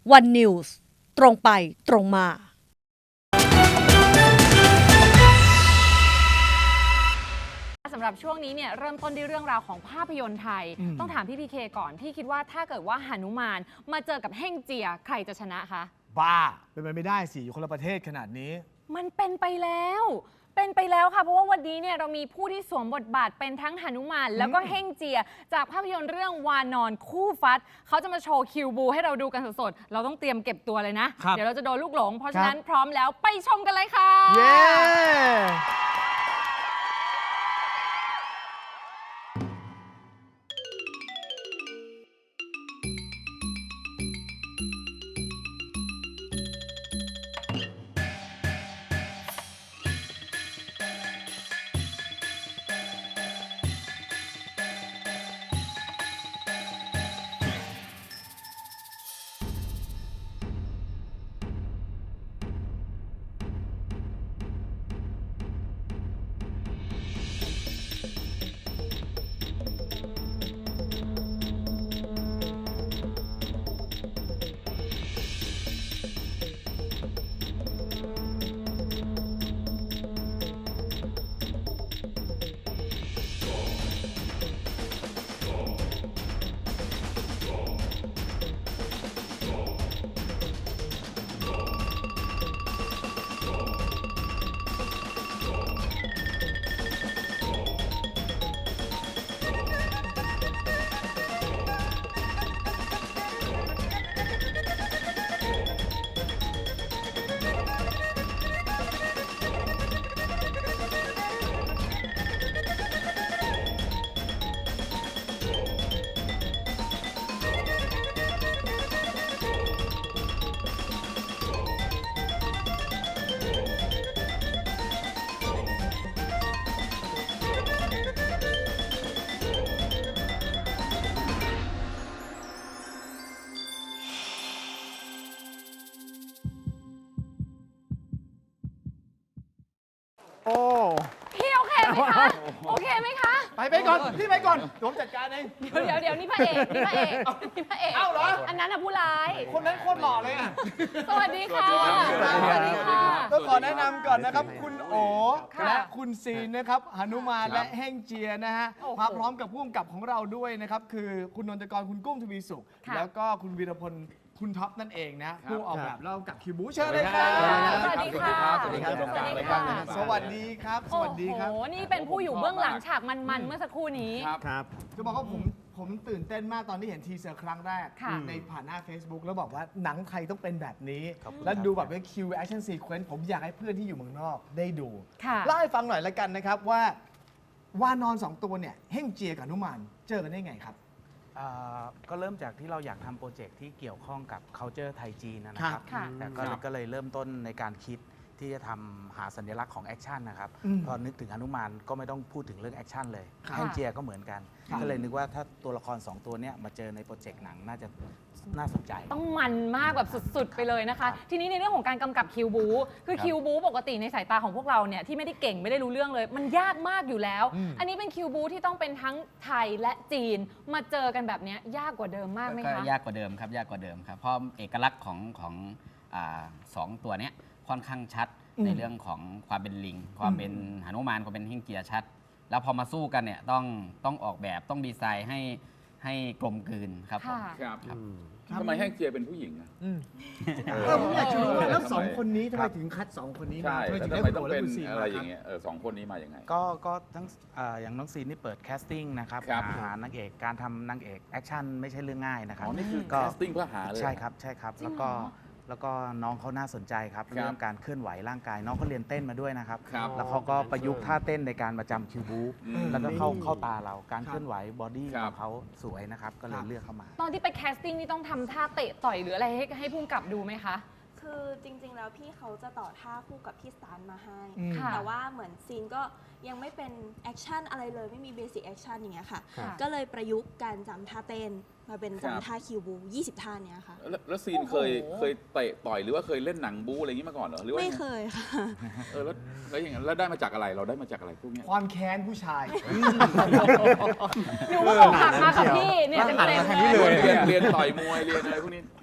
วันนิวส์ตรงไปตรงมาสำหรับช่วงนี้เนี่ยเริ่มต้นด้วยเรื่องราวของภาพยนตร์ไทยต้องถามพี่พีเคก่อนพี่คิดว่าถ้าเกิดว่าหนุมานมาเจอกับเฮ่งเจียใครจะชนะคะบ้าเป็นไปไม่ได้สิอยู่คนละประเทศขนาดนี้มันเป็นไปแล้วค่ะเพราะว่าวันนี้เนี่ยเรามีผู้ที่สวมบทบาทเป็นทั้งหนุมานแล้วก็เฮ่งเจียจากภาพยนตร์เรื่องวานอนคู่ฟัดเขาจะมาโชว์คิวบูให้เราดูกันสดๆเราต้องเตรียมเก็บตัวเลยนะเดี๋ยวเราจะโดนลูกหลงเพราะฉะนั้นพร้อมแล้วไปชมกันเลยค่ะเย้โอ้พี่โอเคไหมคะโอเคไหมคะไปก่อนพี่ไปก่อนผมจัดการเองเดี๋ยวนี่พระเอกนี่พระเอกเอ้าเหรออันนั้นน่ะผู้ร้ายคนนั้นโคตรหล่อเลยอ่ะสวัสดีค่ะสวัสดีค่ะก็ขอแนะนำก่อนนะครับคุณโอและคุณซีนนะครับหนุมานและเฮ่งเจียนะฮะมาพร้อมกับผู้กำกับของเราด้วยนะครับคือคุณนนทกรคุณกุ้งทวีสุขแล้วก็คุณวีรพลคุณท็อปนั่นเองนะผู้ออกแบบเล่ากับคิวบูเชิญเลยครับสวัสดีค่ะสวัสดีครับสวัสดีครับสวัสดีครับสวัสดีครับโอ้โหนี่เป็นผู้อยู่เบื้องหลังฉากมันๆเมื่อสักครู่นี้ครับจะบอกว่าผมตื่นเต้นมากตอนที่เห็นทีเซอร์ครั้งแรกในผ่านหน้า Facebook แล้วบอกว่าหนังไทยต้องเป็นแบบนี้แล้วดูแบบว่าคิวแอคชั่นซีเควนซ์ผมอยากให้เพื่อนที่อยู่เมืองนอกได้ดูเล่าให้ฟังหน่อยละกันนะครับว่านอน2ตัวเนี่ยเฮ่งเจียกับหนุมานเจอกันได้ไงครับก็เริ่มจากที่เราอยากทำโปรเจกต์ที่เกี่ยวข้องกับ culture ไทยจีนนะครับแต่ก็เลยเริ่มต้นในการคิดที่จะทำหาสัญลักษณ์ของแอคชั่นนะครับพอนึกถึงหนุมานก็ไม่ต้องพูดถึงเรื่องแอคชั่นเลยเฮ่งเจียก็เหมือนกันก็เลยนึกว่าถ้าตัวละคร2ตัวเนี้ยมาเจอในโปรเจกต์หนังน่าจะน่าสนใจต้องมันมากแบบสุดๆไปเลยนะคะทีนี้ในเรื่องของการกำกับคิวบูคือคิวบูปกติในสายตาของพวกเราเนี่ยที่ไม่ได้เก่งไม่ได้รู้เรื่องเลยมันยากมากอยู่แล้วอันนี้เป็นคิวบูที่ต้องเป็นทั้งไทยและจีนมาเจอกันแบบนี้ยากกว่าเดิมมากไหมคะก็ยากกว่าเดิมครับยากกว่าเดิมครับเพราะเอกลักษณ์ของสองตัวเนี้ยค่อนข้างชัดในเรื่องของความเป็นลิงความเป็นหนุมานความเป็นเฮ่งเจียชัดแล้วพอมาสู้กันเนี่ยต้องออกแบบต้องดีไซน์ให้กลมกลืนครับผมครับทำไมแฮ่งเจียเป็นผู้หญิงอ่ะผมอยากจะรู้ว่าแล้ว2คนนี้ทำไมถึงคัด2คนนี้มาทำไมถึงได้ต้องเป็นอะไรอย่างเงี้ย2คนนี้มาอย่างไงก็ทั้งอย่างน้องซีนนี่เปิดแคสติ้งนะครับหานางเอกการทำนางเอกแอคชั่นไม่ใช่เรื่องง่ายนะครับนี่คือแคสติ้งเพื่อหาเลยใช่ครับแล้วก็น้องเขาน่าสนใจครับเรื่องการเคลื่อนไหวร่างกายน้องเขาเรียนเต้นมาด้วยนะครับแล้วเขาก็ประยุกต์ท่าเต้นในการประจำคิวบูแล้วก็เข้าตาเราการเคลื่อนไหวบอดี้ของเขาสวยนะครับก็เลยเลือกเข้ามาตอนที่ไปแคสติ้งนี่ต้องทำท่าเตะต่อยหรืออะไรให้พุ่งกลับดูไหมคะคือจริงๆแล้วพี่เขาจะต่อท่าคู่กับพี่สตาร์มาให้แต่ว่าเหมือนซีนก็ยังไม่เป็นแอคชั่นอะไรเลยไม่มีเบสิกแอคชั่นอย่างเงี้ยค่ะก็เลยประยุกต์การจำท่าเต้นมาเป็นจำท่าคิวบู20ท่าเนี้ยค่ะแล้วซีนเคยเตะต่อยหรือว่าเคยเล่นหนังบูอะไรอย่างนี้มาก่อนเหรอหรือว่าไม่เคยค่ะแล้วอย่างนั้นแล้วได้มาจากอะไรเราได้มาจากอะไรพวกนี้ความแค้นผู้ชายหนูก็อกหักมากับพี่เนี่ยเต็มๆเลยเรียนต่อยมวยเรียนอะไรพวกนี้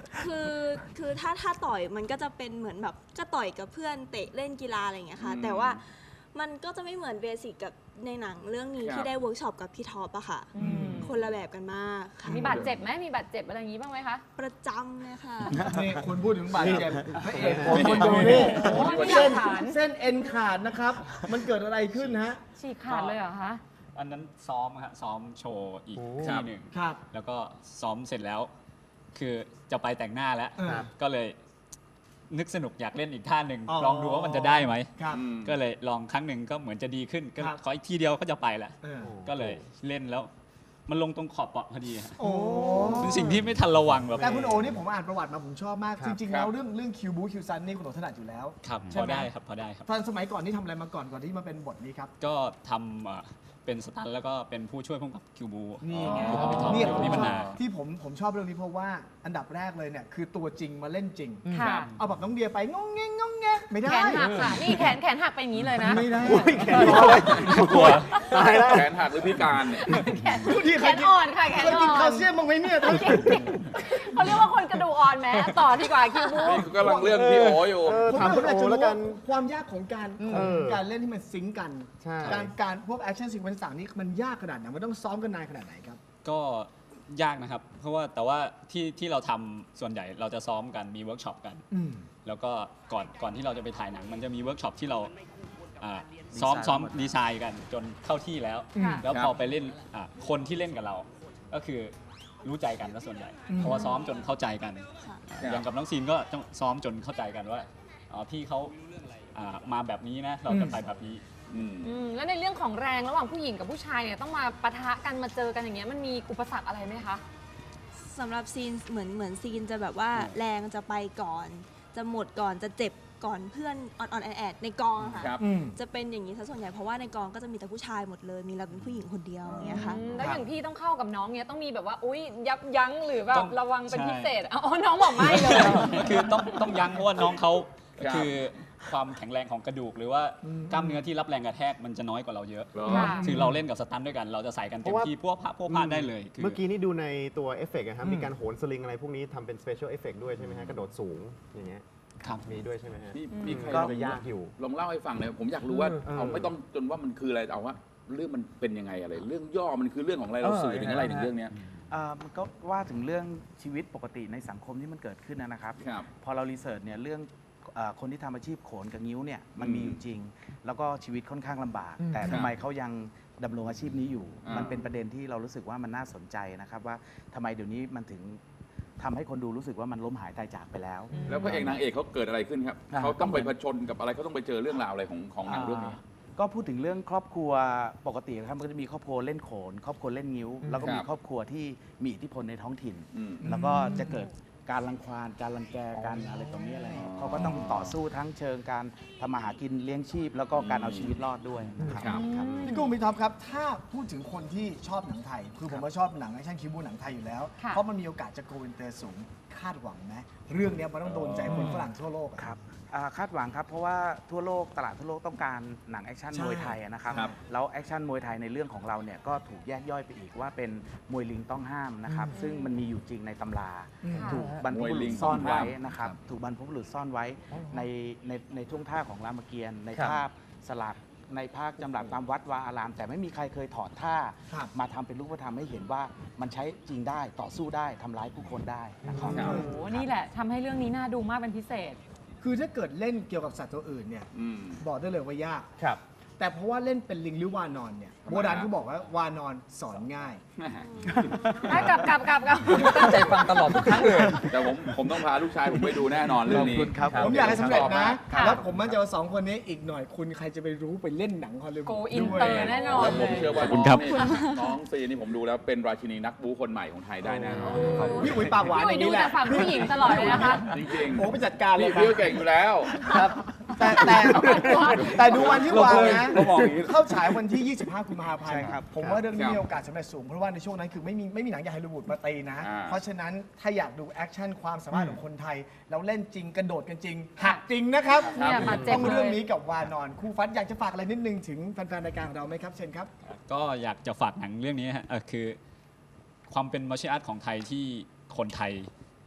คือถ้าต่อยมันก็จะเป็นเหมือนแบบก็ต่อยกับเพื่อนเตะเล่นกีฬาอะไรอย่างเงี้ยค่ะแต่ว่ามันก็จะไม่เหมือนเบสิกกับในหนังเรื่องนี้ที่ได้เวิร์กช็อปกับพี่ท็อปอะค่ะคนละแบบกันมากค่ะมีบาดเจ็บไหมมีบาดเจ็บอะไรอย่างนี้บ้างไหมคะประจำเลยค่ะนี่คุณพูดถึงบาดเจ็บพระเอกผมคุณดูนี่โอ้ยมีหเส้ลันกฐานเส้นเอ็นขาดนะครับ มันเกิดอะไรขึ้นฮะฉีกขาดเลยเหรอคะอันนั้นซ้อมฮะซ้อมโชว์อีกที่หนึ่งครับแล้วก็ซ้อมเสร็จแล้ว คือจะไปแต่งหน้าแล้วครับก็เลยนึกสนุกอยากเล่นอีกท่าหนึ่งอ๋อลองดูว่ามันจะได้ไหมครับก็เลยลองครั้งหนึ่งก็เหมือนจะดีขึ้นก็ครับขออีกทีเดียวก็จะไปแล้วเออก็เลยเล่นแล้ว มันลงตรงขอบเปาะพอดีฮะโอ้เป็นสิ่งที่ไม่ทันระวังแบบแต่คุณโอนี่ผมอ่านประวัติมาผมชอบมากครัจบริงๆ แล้วเรื่องคิวบูคิวซันนี่คุณโอถนัดอยู่แล้วครับใช่พไหมอได้ครับพอได้ครับตอนสมัยก่อนนี่ทำอะไรมาก่อนที่มาเป็นบทนี้ครับก็ทำเป็นสตันท์แล้วก็เป็นผู้ช่วยผู้กำกับคิวบูนี่ไงอยู่กับพี่ท็อปเนี่ยอยู่นี่มันนานที่ผมชอบเรื่องนี้เพราะว่าอันดับแรกเลยเนี่ยคือตัวจริงมาเล่นจริงค่ะเอาแบบน้องเดียไปงงเงงงงแงไม่ได้แขนหักค่ะ นี่แขนหักไปอย่างนี้เลยนะไม่ได้กลัวตายแล้วแขนหักหรือพิการเนี่ยที่แขนอ่อนค่ะแขนเคยอ่กินอคาน ลเซียมบ้างไหมเนี่ยเขาเรียกว่าคนกระดูกอ่อนแม้ต่อดีกว่าคิวบูนี่กำลังเรื่องพี่โออยู่ถามคุณโอแล้วกันความยากของการเล่นที่มันซิงก์กันใช่การพวกแอคชั่นซีเควนซ์ต่างนี้มันยากขนาดไหนมันต้องซ้อมกันนานขนาดไหนครับก็ยากนะครับ เพราะว่าแต่ว่าที่เราทำส่วนใหญ่เราจะซ้อมกันมีเวิร์กช็อปกัน แล้วก็ก่อนที่เราจะไปถ่ายหนัง มันจะมีเวิร์กช็อปที่เราซ้อมดีไซน์กันจนเข้าที่แล้วค่ะแล้วพอไปเล่นคนที่เล่นกับเรา ก็คือรู้ใจกันแล้วส่วนใหญ่ เพราะว่าซ้อมจนเข้าใจกันค่ะอย่างกับน้องซีนก็ต้องซ้อมจนเข้าใจกันว่าพี่เขามาแบบนี้นะเราจะไปแบบนี้แล้วในเรื่องของแรงระหว่างผู้หญิงกับผู้ชายเนี่ยต้องมาปะทะกันมาเจอกันอย่างเงี้ยมันมีอุปสรรคอะไรไหมคะสำหรับซีนเหมือนซีนจะแบบว่าแรงจะไปก่อน จะหมดก่อนจะเจ็บก่อนเพื่อนออนแอดในกองอะค่ะครับจะเป็นอย่างนี้ซะส่วนใหญ่เพราะว่าในกองก็จะมีแต่ผู้ชายหมดเลย มีเราเป็นผู้หญิงคนเดียวอย่างเงี้ยค่ะแล้วอย่างพี่ต้องเข้ากับน้องเนี่ยต้องมีแบบว่าอุ้ยยับยั้งหรือแบต้บองระวังเป็นใช่พิเศษอ๋อน้องบอกไม่เลยคือต้องยั้งเพราะว่าน้องเขาครับคือความแข็งแรงของกระดูก หรือว่ากล้ามเนื้อที่รับแรงกระแทกมันจะน้อยกว่าเราเยอะเหรอค่ะคือเราเล่นกับสตันท์ด้วยกัน เราจะใส่กันเต็มที่พวกพลาดได้เลยคืเมื่อกี้นี่ดูในตัวเอฟเฟกต์นะครับมีการโหนสลิงอะไรพวกนี้ทำเป็นสเปเชียลเอฟเฟกต์ด้วยใช่ไหมฮะกระโดดสูงอย่างเงี้ยครับมีด้วยใช่ไหมฮะมีใครก็ลองจะยากอยู่ลองเล่าให้ฟังหน่อยผมอยากรู้ว่าเออเอาไม่ต้องจนว่ามันคืออะไรเอาว่าเรื่องมันเป็นยังไงอะไร เรื่องย่อมันคือเรื่องของอะไรเราสื่อถึงอะไรถึงเรื่องเนี้ยมันก็ว่าถึงเรื่องชีวิตปกติในสังคมที่มันเกิดขึ้นนะครับครับพอเรารีเสิร์ชเนี่ยเรื่องคนที่ทำอาชีพโขนกับงิ้วเนี่ยมันมีอยู่จริง แล้วก็ชีวิตค่อนข้างลำบาก แต่ทำไมเขายังดำรงอาชีพนี้อยู่ มันเป็นประเด็นที่เรารู้สึกว่ามันน่าสนใจนะครับว่าทำไมเดี๋ยวนี้มันถึงทำให้คนดูรู้สึกว่ามันล้มหายตายจากไปแล้วแล้วพระเอกนางเอกเขาเกิดอะไรขึ้นครับอ่าเขาต้องไปผจญกับอะไรเขาต้องไปเจอเรื่องราวอะไรของหนังเรื่องนี้ก็พูดถึงเรื่องครอบครัวปกตินะครับมันก็จะมีครอบครัวเล่นโขน ครอบครัวเล่นงิ้ว แล้วก็มีครับครอบครัวที่มีอิทธิพลในท้องถิ่นอืมแล้วก็จะเกิดการรังควานการรังแกกันอะไรตรงนี้อะไรเงี้ยเขาก็ต้องต่อสู้ทั้งเชิงการทำมาหากินเลี้ยงชีพ แล้วก็การเอาชีวิตรอดด้วยนะครับครับพี่กุ้งพี่ท็อปครับ ถ้าพูดถึงคนที่ชอบหนังไทย คือผมก็ชอบหนังแอคชั่นคิวบูหนังไทยอยู่แล้วค่ะเพราะมันมีโอกาสจะโกอินเตอร์สูงคาดหวังไหมเรื่องเนี้ยมันต้องโดนใจคนฝรั่งทั่วโลกอะครับคาดหวังครับ เพราะว่าทั่วโลกตลาดทั่วโลกต้องการหนังแอคชั่นใช่มวยไทยนะครับครับแล้วแอคชั่นมวยไทยในเรื่องของเราเนี่ยก็ถูกแยกย่อยไปอีกว่าเป็นมวยลิงต้องห้ามนะครับ ซึ่งมันมีอยู่จริงในตำรา ถูกบรรพบุรุษซ่อนไว้นะครับ ถูกบรรพบุรุษซ่อนไว้ในท่วงท่าของรามเกียรติ์ในภาพสลักในภาคจำหลักตามวัดวาอาราม แต่ไม่มีใครเคยถอดท่าครับมาทำเป็นรูปธรรมให้เห็นว่ามันใช้จริงได้ต่อสู้ได้ทำร้ายผู้คนได้นะครับโอ้โหนี่แหละทำให้เรื่องนี้น่าดูมากเป็นพิเศษคือถ้าเกิดเล่นเกี่ยวกับสัตว์ตัวอื่นเนี่ยอืมบอกได้เลยว่ายากครับแต่เพราะว่าเล่นเป็นลิงหรือวานอนเนี่ยทำไมโบราณเขาบอกว่าวานอนสอนง่ายกลับตั้งใจฟังตลอดทุกครั้งเลยแต่ผมต้องพาลูกชายผมไปดูแน่นอนเรื่องนี้ขอบคุณครับผมอยากให้สำเร็จนะค่ะแล้วผมมั่นใจว่าสองคนนี้อีกหน่อยคุณใครจะไปรู้ไปเล่นหนังฮอลลีวูดโกอินด้วยเตอร์แน่นอนแล้วผมเชื่อว่าขอบคุน้ณองครับนี่น้องซีนี่ผมดูแล้วเป็นราชินีนักบู๊คนใหม่ของไทยได้แน่นอนพี่อุ๋ยปากหวานพี่ออุ๋ยย่างนี้แหดูแต่ละฝั่งผู้หญิงตลอดเลยนะคะจริงโอ้ไปจัดการเลยพี่ก็เก่งอยู่แล้วครับแต่ดูวันที่วางนะเขาบอกอย่างนี้เข้าฉายวันที่ 25 กุมภาพันใช่ธ์ครับผมว่าเรื่องนี้ครับมีโอกาสสำเร็จสูง เพราะว่าในช่วงนั้นคือไม่มีหนังอย่างฮอลลีวูดมาตีนะอ่าเพราะฉะนั้นถ้าอยากดูแอคชั่นความสามารถของคนไทย แล้วเล่นจริงกระโดดกันจริงหักจริงนะครับเนี่ยบาดเจ็บต้องเรื่องเลยนี้กับวานอนคู่ฟัดอยากจะฝากอะไรนิดนึงถึงแฟนๆรายการของเราไหมครับเชนครับก็อยากจะฝากหนังเรื่องนี้ฮะคือความเป็นมาร์เชียลอาร์ตของไทยที่คนไทย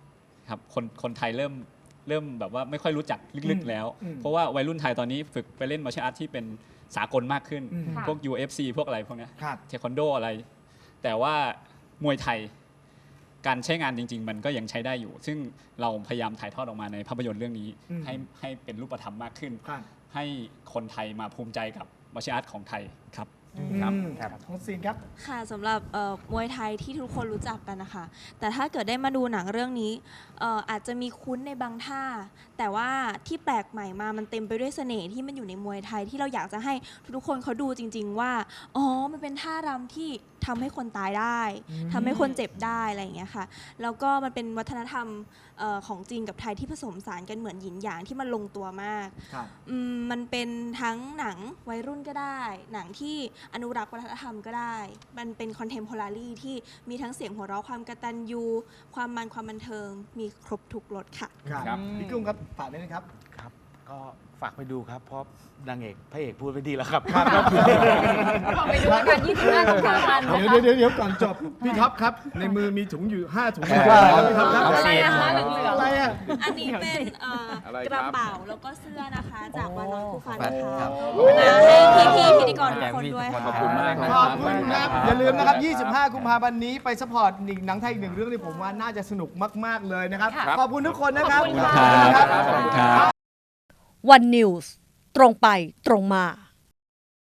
ครับคนไทยเริ่มแบบว่าไม่ค่อยรู้จักลึกๆแล้ว เพราะว่าวัยรุ่นไทยตอนนี้ฝึกไปเล่นมาร์เชียลอาร์ตที่เป็นสากลมากขึ้น พวก UFC พวกอะไรพวกนี้เทควันโดอะไร แต่ว่ามวยไทยการใช้งานจริงๆมันก็ยังใช้ได้อยู่ ซึ่งเราพยายามถ่ายทอดออกมาในภาพยนตร์เรื่องนี้ให้เป็นรูปธรรมมากขึ้น ให้คนไทยมาภูมิใจกับมาร์เชียลอาร์ตของไทยครับของซีนครับค่ะสำหรับมวยไทยที่ทุกคนรู้จักกันนะคะ แต่ถ้าเกิดได้มาดูหนังเรื่องนี้อาจจะมีคุ้นในบางท่า แต่ว่าที่แปลกใหม่มามันเต็มไปด้วยเสน่ห์ที่มันอยู่ในมวยไทยที่เราอยากจะให้ทุกคนเขาดูจริงๆว่าอ๋อมันเป็นท่ารำที่ทำให้คนตายได้ทำให้คนเจ็บได้อะไรอย่างเงี้ยค่ะแล้วก็มันเป็นวัฒนธรรมของจีนกับไทยที่ผสมผสานกันเหมือนหยินหยางที่มันลงตัวมากมันเป็นทั้งหนังวัยรุ่นก็ได้หนังที่อนุรักษ์วัฒนธรรมก็ได้มันเป็นคอนเทมพอรารีที่มีทั้งเสียงหัวเราะความกตัญญูความมันความบันเทิงมีครบทุกรสค่ะครับพี่กุ้งครับฝากด้วยนะครับครับก็ฝากไปดูครับเพราะนางเอกพระเอกพูดไปดีแล้วครับขอไปดูกัน25กุมภาพันธ์เดี๋ยวก่อนจบพี่ท็อปครับในมือมีถุงอยู่5ถุงพี่ท็อปครับอะไรนะคะเหลืองอะไรอ่ะอันนี้เป็นอะไรกครัระบเป๋าแล้วก็เสื้อนะคะจากวานอนคู่ฟันนะคะครับให้พี่ๆพิธีกรทุกคนด้วยขอบคุณมากนะขอบคุณครับ อย่าลืมนะครับ 25 กุมภาพันธ์นี้ไปซัพพอร์ตหนังไทยอีกหนึ่งเรื่องที่ผมว่าน่าจะสนุกมาก ๆ เลยนะครับ ขอบคุณทุกคนนะครับขอบคุณค่ะครับวันนิวส์ตรงไปตรงมา